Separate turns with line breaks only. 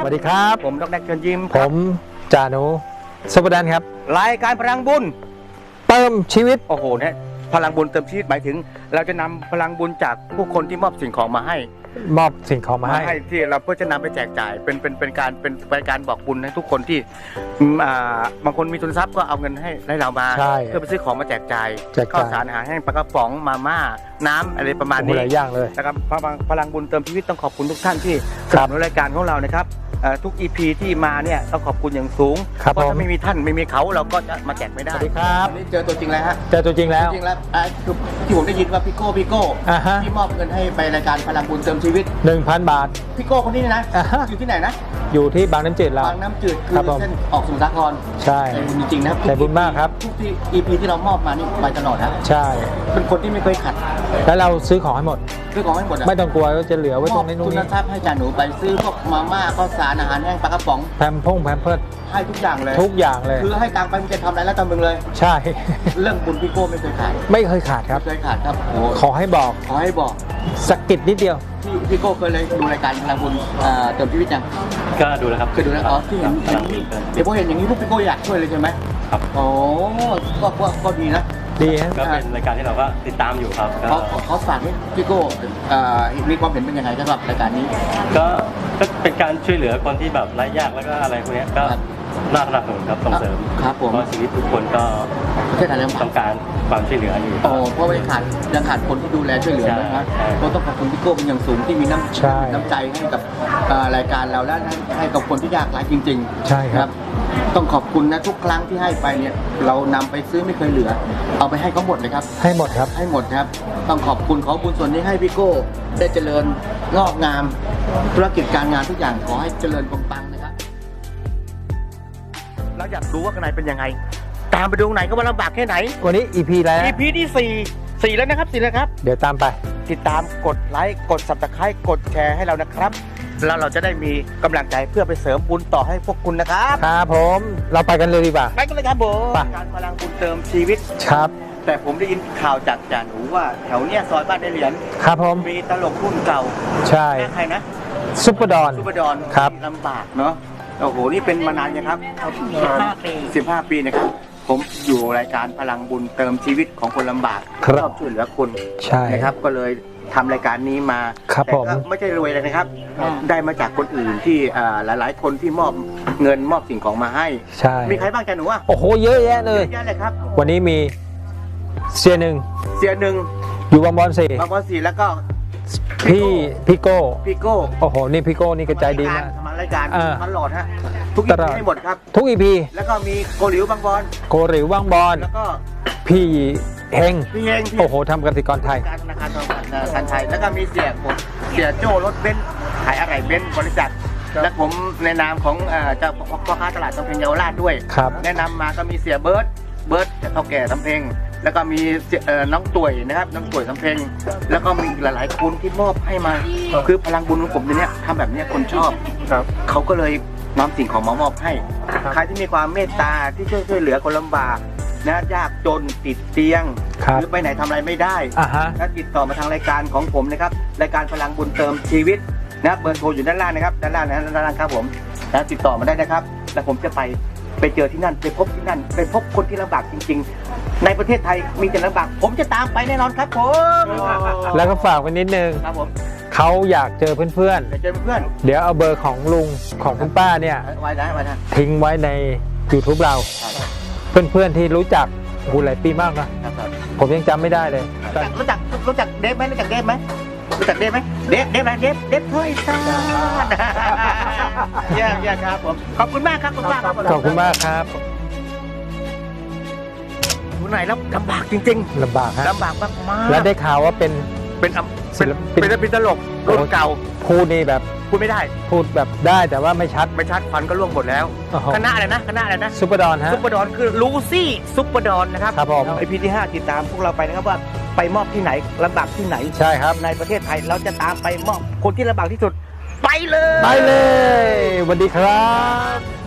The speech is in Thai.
วัสดีครับ
ผมดร.เชิญยิ้ม
ผมจ่าหนูซุปเปอร์แดนครับ
รายการพลังบุญ
เติมชีวิต
โอ้โหเนี่ยพลังบุญเติมชีวิตหมายถึงเราจะนำพลังบุญจากผู้คนที่มอบสิ่งของมาให้ที่เราเพื่อจะนำไปแจกจ่ายเป็นการบอกบุญให้ทุกคนที่บางคนมีทุนทรัพย์ก็เอาเงินให้เรามาเพื่อไปซื้อของมาแจกจ่ายข้าวสารอาหารแห้งปลากระป๋องมาม่าน้ำอะไรประมาณนี้
หลายอย่างเลย
นะครับพลังบุญเติมชีวิตต้องขอบคุณทุกท่านที่สนับสนุนรายการของเรานะครับทุก EP ที่มาเนี่ยต้องขอบคุณอย่างสูงเพราะถ้าไม่มีท่านไม่มีเขาเราก็จะมาแจกไม่ได้
สวัสดีครับ
นี่เจอตัวจริงแล้วฮะ
เจอตัวจริงแล้ว
ที่ผมได้ยินว่าพี่โก้ที่มอบเงินให้ไปรายการพลังบุญเติมชีวิต
1,000 บาท
พี่โก้คนนี้นะอยู่ที่ไหนนะ
อยู่ที่บางน้ำจืดเรา
บางน้ำจืดคือเส้นออกสมุทรสาคร
ใช่
จริงๆนะ
ใจบุญมากครับ
ทุกที่ EP ที่เรามอบมานี่ไปตลอดนะ
ใช่
เป็นคนที่ไม่เคยขัด
แล้วเราซื้อของให้หมดไม่ต้องกลัวว่าจะเหลือไว้ตรงนี้
ทุนทรัพย์ให้จ่าหนูไปซื้อพวกมาม่าข้าวสารอาหารแห้งปลากระป๋อง
แพมเพิร์ด
ให้ทุกอย่างเลยคือให้ตังค์ไปมันจะทำอะไรแล้วทำมึงเลย
ใช่
เรื่องบุญพี่โก้ไม่เคยขาด
ครับ
ไม่เคยขาดครับ
ขอให้บอกสกิดนิดเดียว
พี่โก้เคยเลยดูรายการพลังบุญเติมชีวิตยัง
ก็ดูแล้วครับ
เคยดูแล้วอ๋อที่เห็นเดี๋ยวพอเห็นอย่างนี้พวกพี่โก้อยากช่วยเลยใช่ไหม
ครับ
โอ้ก็ดีนะ
ดีฮะ
ก็เป็นรายการที่เราก็ติดตามอยู่ครับ
เขาฝากให้พี่โก้มีความเห็นเป็นยังไงสำหรับรายการนี้
ก็เป็นการช่วยเหลือคนที่แบบไร้ยากแล้วก็อะไรพวกนี้ก็น่าสนับสนุนครับส่งเสริม
ครับผม
เพราะชีวิตทุกคนก็ต้องการความช่วยเหลืออยู่
เพราะว่ายังขาดคนที่ดูแลช่วยเหลือนะครับก็ต้องขอบคุณพี่โก้เป็นอย่างสูงที่มีน้ำใจให้กับรายการเราและให้กับคนที่ยากไร้จริง
ๆใช่ครับ
ต้องขอบคุณนะทุกครั้งที่ให้ไปเนี่ยเรานำไปซื้อไม่เคยเหลือเอาไปให้เขาหมดเลยครับ
ให้หมดครับ
ต้องขอบคุณขอบุญส่วนนี้ให้พี่โก้ได้เจริญงอกงามธุรกิจการงานทุกอย่างขอให้เจริญปังๆนะครับเราอยากรู้ว่าข้างในเป็นยังไงตามไปดูไหนก็ว่าลำบากแค่ไหน
วันนี้ EP แล้ว
EP ที่4แล้วนะครับ4แล้วครับ
เดี๋ยวตามไป
ติดตามกดไลค์กด Subscribe กดแชร์ให้เรานะครับแล้วเราจะได้มีกำลังใจเพื่อไปเสริมบุญต่อให้พวกคุณนะครับ
ครับผมเราไปกันเลยดีกว่า
ไปกันเลยครับผมการพลังบุญเติมชีวิต
ครับ
แต่ผมได้ยินข่าวจากจ่าหนูว่าแถวเนี้ยซอยบ้านได้เหรียญ
ครับผม
มีตลกรุ่นเก่า
ใช่
ใครนะ
ซุปเปอร์ดอน
ครับลำบากเนาะโอ้โหนี่เป็นมานานยังครับ15 ปีนะครับผมอยู่รายการพลังบุญเติมชีวิตของคนลำบากชอบช่วยเหลือคนนะครับก็เลยทำรายการนี้มา
แต่
ก็ไม่ใช่รวยเลยนะครับได้มาจากคนอื่นที่หลายๆคนที่มอบเงินมอบสิ่งของมาให้
ใช่
มีใครบ้างแกหนูอ่ะ
โอ้โหเยอะแยะเลย
ครับ
วันนี้มีเสียหนึ่งอยู่บางบอน
4แล้วก็
พี่โก้โอ้โหนี่พี่โก้นี่กระจายดีมาก
ทำรายการตลอดฮะทุกอีพีให้หมดครับ
ทุกอีพี
แล้วก็มีโกหลิวบางบอนแล้วก็
พี่เฮงโอ้โหทำกสิกรไทย
ธนาคารไทยแล้วก็มีเสียโจ้รถเบนซ์ขายอะไรเบนซ์บริษัทและผมในนามของเจ้าพ่อค้าตลาดสำเพ็งเยาวราชด้วยแนะนำมาก็มีเสียเบิร์ดเท่าแก่สำเพ็งแล้วก็มีน้องตุ๋ยนะครับน้องตุ๋ยสำเพ็งแล้วก็มีหลายๆคนที่มอบให้มาคือพลังบุญของผมเนี่ยทำแบบนี้คนชอบเขาก็เลยนำสิ่งของมามอบให้ใครที่มีความเมตตาที่ช่วยเหลือคนลำบากนะยากจนติดเตียงหรือไปไหนทำอะไรไม่ได้ถ้าติดต่อมาทางรายการของผมนะครับรายการพลังบุญเติมชีวิตนะเบอร์โทรอยู่ด้านล่างนะครับด้านล่างครับผมนะติดต่อมาได้นะครับแล้วผมจะไปเจอที่นั่นไปพบที่นั่นไปพบคนที่ลำบากจริงๆในประเทศไทยมีแต่ลำบากผมจะตามไปแน่นอนครับผม
แล้วก็ฝากไว้นิดนึง
ครับผม
เขาอยากเจอเพื่อนเดี๋ยวเอาเบอร์ของลุงของคุณป้าเนี่ยทิ้งไว้ใน YouTube เราเพื่อนที่รู้จักหลายปีมากนะผมยังจำไม่ได้เลย
รู้จักเดฟไหมเดฟไหมเดฟถ้อยซ่าเยี่ยมครับผมขอบคุณมากครับ
ขอบคุณมากครับ
อยู่ไหนแล้วลำบากจริง
ๆลำบาก
มาก
และได้ข่าวว่าเป็น
ตลกรุ่นเก่า
พูดนี่แบบ
พูดไม่ได้
พูดแบบได้แต่ว่าไม่ชัด
ควันก็ร่วงหมดแล้วคณะอะไรนะ
ซุปเปอร์ดอนฮะ
ซุปเปอร์ดอนคือลูซี่ซุปเปอร์ดอนนะครับ
ครับผม
EP ที่5ติดตามพวกเราไปนะครับว่าไปมอบที่ไหนลำบากที่ไหน
ใช่ครับ
ในประเทศไทยเราจะตามไปมอบคนที่ลำบากที่สุดไปเลย
สวัสดีครับ